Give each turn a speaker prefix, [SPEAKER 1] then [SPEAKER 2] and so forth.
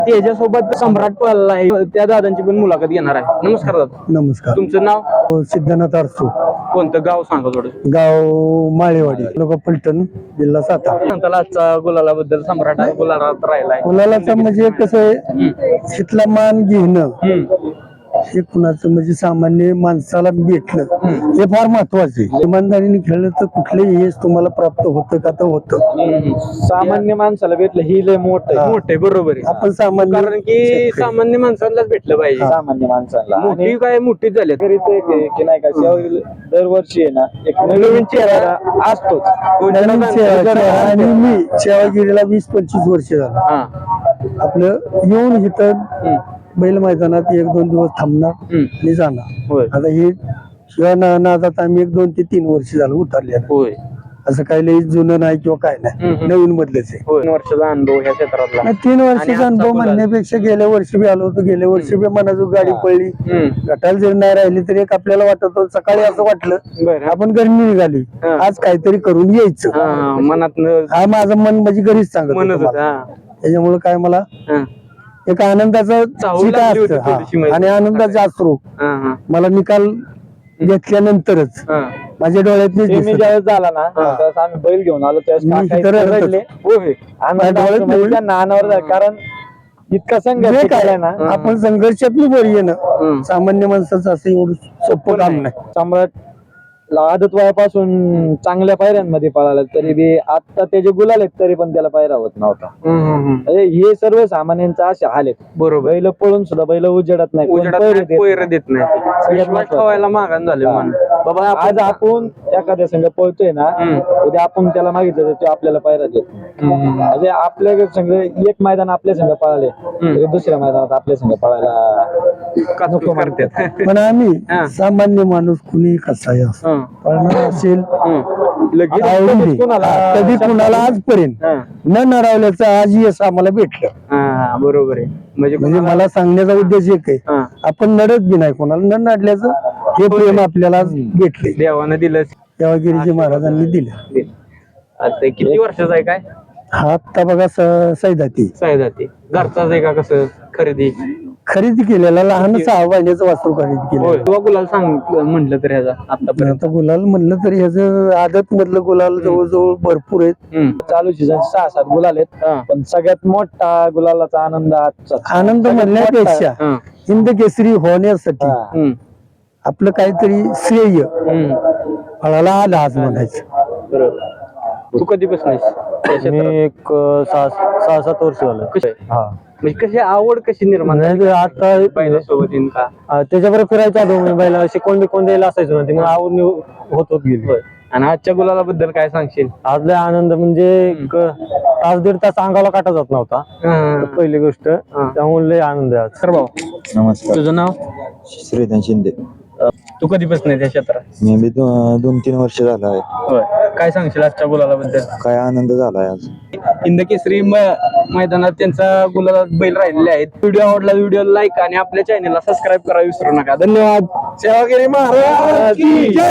[SPEAKER 1] त्याच्यासोबत सम्राट पळाला आहे, त्या दादांची पण मुलाखत घेणार आहे. नमस्कार दादा.
[SPEAKER 2] नमस्कार.
[SPEAKER 1] तुमचं नाव?
[SPEAKER 2] सिद्धनाथ आरसू.
[SPEAKER 1] कोणतं गाव सांगा थोडं?
[SPEAKER 2] गाव माळेवाडी, तालुका पलटण, जिल्हा सातारा.
[SPEAKER 1] सांगताला आजचा गुलालाबद्दल. सम्राट गुलालात राहिलाय.
[SPEAKER 2] मुलाला म्हणजे कसं आहे, इथला मान घेणं हे कुणाचं म्हणजे सामान्य माणसाला भेटलं हे फार महत्वाचं आहे. इमानदारीने खेळलं तर कुठलेही यश तुम्हाला प्राप्त होतं का तर होतं.
[SPEAKER 3] सामान्य माणसाला भेटलं ही लय
[SPEAKER 1] मोठे बरोबर आहे.
[SPEAKER 2] आपण सामान्य
[SPEAKER 1] कारण की सामान्य माणसांनाच भेटलं पाहिजे.
[SPEAKER 3] सामान्य माणसाला
[SPEAKER 1] मोठी काय मोठीच झाली.
[SPEAKER 3] की नाही का दरवर्षी आहे ना एक नवीन चेहरा असतोच.
[SPEAKER 2] नवीन आणि मी सेवागिरीला 20-25 वर्ष झालं.
[SPEAKER 1] हा.
[SPEAKER 2] आपलं येऊन इथं बैल मैदानात 1-2 दिवस थांबणार आणि जाणार.
[SPEAKER 1] होय.
[SPEAKER 2] आता हे शिवाय नादात आम्ही 1-2 ते 3 वर्ष झालं उतरले.
[SPEAKER 1] होय.
[SPEAKER 2] असं काही लई जुनं नाही किंवा काय नाही, नवीन मधलेच आहे.
[SPEAKER 1] होय. 3 वर्षाचा अनुभव ह्या क्षेत्रातला.
[SPEAKER 2] 3 वर्षाचा अनुभव म्हणण्यापेक्षा गेल्या वर्षी बी आलो होतो. गेल्या वर्षी बी मनाजू गाडी पडली, गटाला जरी नाही राहिली तरी एक आपल्याला वाटत होतं. सकाळी असं वाटलं
[SPEAKER 1] बरं.
[SPEAKER 2] आपण गरमी निघाली, आज काहीतरी करून यायचं.
[SPEAKER 1] मनात
[SPEAKER 2] हा माझं मन म्हणजे घरीच सांगत
[SPEAKER 1] म्हणत
[SPEAKER 2] होतं
[SPEAKER 1] होत.
[SPEAKER 2] मला. त्याच्यामुळे काय मला एक आनंदाचा
[SPEAKER 1] चाहूल
[SPEAKER 2] चिता
[SPEAKER 1] लागली होती
[SPEAKER 2] असतं.
[SPEAKER 1] थोडीशी माहिती.
[SPEAKER 2] आणि आनंदाचे अश्रू मला निकाल घेतल्यानंतरच माझ्या डोळ्यातले
[SPEAKER 3] मी ज्यावेळेस झाला ना त्यावेळेस आम्ही बैल घेऊन आलो त्यावेळेस काका इतके रडले. नानावर कारण इतका संघर्ष केलाय ना.
[SPEAKER 2] आपण संघर्षात बरी आहे ना. सामान्य माणसाचं असं एवढं सोपं काम नाही.
[SPEAKER 3] सम्राट आदत वयापासून चांगल्या पायऱ्यांमध्ये पळाला तरी बी आता त्याचे गुलाल आहेत तरी पण त्याला पायरा होत नव्हता. म्हणजे हे सर्व सामान्यांचा असे हाल आहेत.
[SPEAKER 1] बरोबर.
[SPEAKER 3] बैल पळून सुद्धा बैल उजेडत नाही,
[SPEAKER 1] पैर देत नाही. विश्वास ठेवायला मागान झाले मन. बाबा
[SPEAKER 3] आज आपण एखाद्या संघ पळतोय ना, उद्या आपण त्याला मागितलं तर तो आपल्याला पायरा देत नाही. म्हणजे आपल्या संघ एक मैदान आपल्या संघ पळाले तरी दुसऱ्या मैदानात आपल्या संघ पळायला नको
[SPEAKER 1] करतात.
[SPEAKER 2] पण आम्ही सामान्य माणूस कुणी कसाही असो पळणार असेल आवडीने, कधी कुणाला आजपर्यंत न नरावल्याचं आज यश आम्हाला भेटलं.
[SPEAKER 1] बरोबर आहे.
[SPEAKER 2] म्हणजे मला सांगण्याचा उद्देश एक आहे, आपण नडत बी नाही कोणाला, न नडल्याचं हे प्रेम आपल्याला भेटले.
[SPEAKER 1] देवानं दिलं.
[SPEAKER 2] सेवागिरीजी महाराजांनी दिलं.
[SPEAKER 1] आता किती वर्षाचा आहे काय
[SPEAKER 2] हा? आता बघा सैदाती
[SPEAKER 1] जाते घरचाच आहे का? कसं
[SPEAKER 2] खरेदी केलेला लहान 6 महिन्याचं वासरू खरेदी केलं.
[SPEAKER 1] किंवा गुलाल सांग म्हटलं तर ह्याचा आतापर्यंत.
[SPEAKER 2] आता गुलाल म्हणलं तरी ह्याचं आदत मधलं गुलाल जवळजवळ भरपूर आहेत.
[SPEAKER 3] चालू सीझन 6-7 गुलाल आहेत. पण सगळ्यात मोठा गुलालाचा आनंद आजचा.
[SPEAKER 2] आनंद म्हणण्यापेक्षा हिंद केसरी होण्यासाठी आपलं काहीतरी श्रेय फळाला आलं आज म्हणायचं.
[SPEAKER 1] बरोबर. तू कधी बसलीस?
[SPEAKER 3] मी एक 6-7 वर्ष झालं.
[SPEAKER 1] म्हणजे कशी आवड कशी निर्माण
[SPEAKER 3] आता
[SPEAKER 1] पहिल्यासोबत का?
[SPEAKER 3] त्याच्याबरोबर फिरायच्या आधो मी बैला कोण द्यायला असायचो ना, ते मला आवड होत गेली.
[SPEAKER 1] आणि आजच्या गुलालाबद्दल काय सांगशील?
[SPEAKER 3] आजला आनंद म्हणजे तास-दीड तास अंगाला काटा जात नव्हता, पहिली गोष्ट. त्यामुळे लय आनंद आहे आज.
[SPEAKER 1] सर भाऊ
[SPEAKER 4] नमस्कार.
[SPEAKER 1] तुझं नाव?
[SPEAKER 4] श्रीधन शिंदे.
[SPEAKER 1] तू कधीपासून त्या क्षेत्रात?
[SPEAKER 4] मी बी 2-3 वर्ष झालं आहे.
[SPEAKER 1] काय सांगशील आजच्या गुलालाबद्दल?
[SPEAKER 4] काय आनंद झालाय आज.
[SPEAKER 1] हिंद केसरी मैदानात त्यांचा गुलालात बैल राहिलेले आहेत. व्हिडिओ आवडला व्हिडिओ लाईक आणि आपल्या चॅनलला सबस्क्राईब करायला विसरू नका. धन्यवाद. सेवागिरी महाराज.